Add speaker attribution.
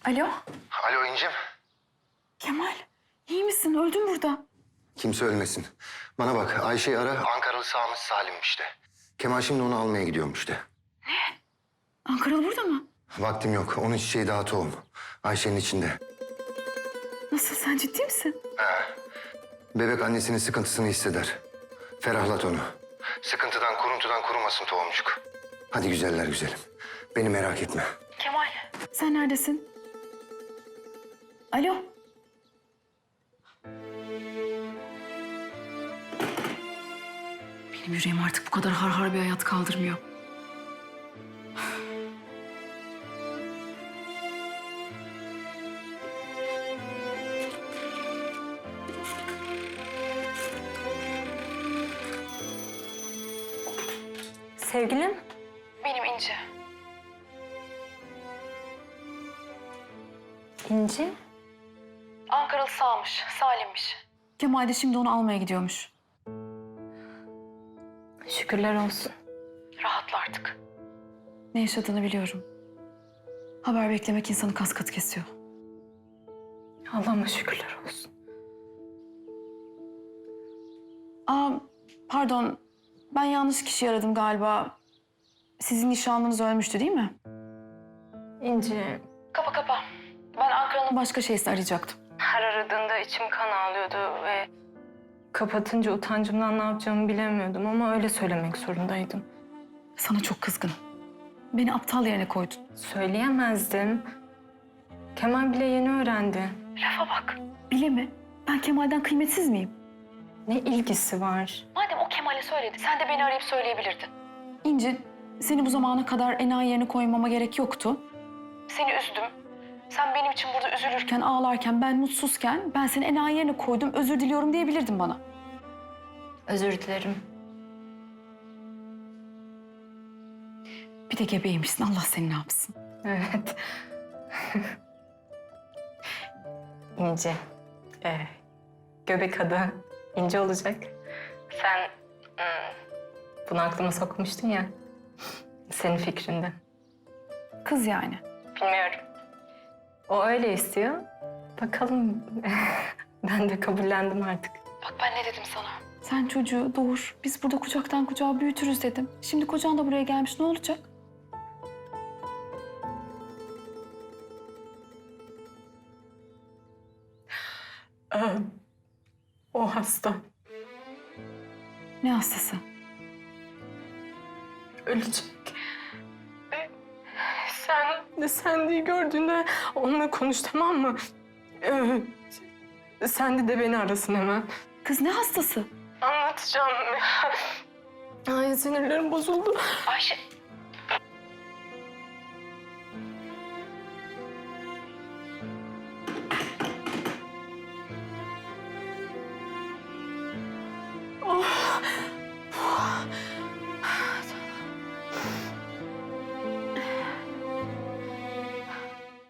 Speaker 1: Alo?
Speaker 2: Alo İncim.
Speaker 1: Kemal, iyi misin? Öldün burada.
Speaker 2: Kimse ölmesin. Bana bak Ayşe'yi ara. Ankaralı Sami Salim'miş de. Kemal şimdi onu almaya gidiyormuş de.
Speaker 1: Ankaralı burada mı?
Speaker 2: Vaktim yok. Onun çiçeği daha tohum. Ayşe'nin içinde.
Speaker 1: Nasıl, sen ciddi misin?
Speaker 2: Bebek annesinin sıkıntısını hisseder. Ferahlat onu. Sıkıntıdan, kuruntudan kurumasın tohumcuk. Hadi güzeller güzelim. Beni merak etme.
Speaker 1: Kemal. Sen neredesin? Alo? Benim yüreğim artık bu kadar har bir hayat kaldırmıyor.
Speaker 3: Sevgilim?
Speaker 1: Benim İnci.
Speaker 3: İnci?
Speaker 1: Ankaralı sağmış, Salim'miş. Kemal de şimdi onu almaya gidiyormuş.
Speaker 3: Şükürler olsun.
Speaker 1: Rahatla artık. Ne yaşadığını biliyorum. Haber beklemek insanı kas katı kesiyor.
Speaker 3: Allah'ıma şükürler olsun.
Speaker 1: Aa, pardon. Ben yanlış kişiyi aradım galiba. Sizin nişanlınız ölmüştü değil mi?
Speaker 3: İnci,
Speaker 1: Kapa. Ben Ankara'nın başka şeysini arayacaktım.
Speaker 3: her aradığında içim kan ağlıyordu ve kapatınca utancımdan ne yapacağımı bilemiyordum ama öyle söylemek zorundaydım.
Speaker 1: Sana çok kızgınım. Beni aptal yerine koydun.
Speaker 3: Söyleyemezdim. Kemal bile yeni öğrendi.
Speaker 1: Lafa bak. Bile mi? Ben Kemal'den kıymetsiz miyim?
Speaker 3: Ne ilgisi var?
Speaker 1: Madem o Kemal'e söyledi, sen de beni arayıp söyleyebilirdin. İnci, seni bu zamana kadar enayi yerine koymama gerek yoktu. Seni üzdüm. Sen benim için burada üzülürken, ağlarken, ben mutsuzken ben seni enayi yerine koydum, özür diliyorum diyebilirdin bana.
Speaker 3: Özür dilerim.
Speaker 1: Bir de gebeymişsin, Allah seni ne yapsın.
Speaker 3: Evet. İnci. Göbek adı İnci olacak. Sen bunu aklıma sokmuştun ya. Senin fikrinde.
Speaker 1: Kız yani.
Speaker 3: Bilmiyorum. O öyle istiyor. Bakalım. Ben de kabullendim artık.
Speaker 1: Bak ben ne dedim sana? Sen çocuğu doğur, biz burada kucaktan kucağa büyütürüz dedim. Şimdi kocan da buraya gelmiş, ne olacak?
Speaker 3: O hasta.
Speaker 1: Ne hastası?
Speaker 3: Ölecek. Sen de gördüğünde onunla konuş, tamam mı? Sen de beni arasın hemen.
Speaker 1: Kız ne hastası?
Speaker 3: Anlatacağım. Ay sinirlerim bozuldu.
Speaker 1: Ayşe,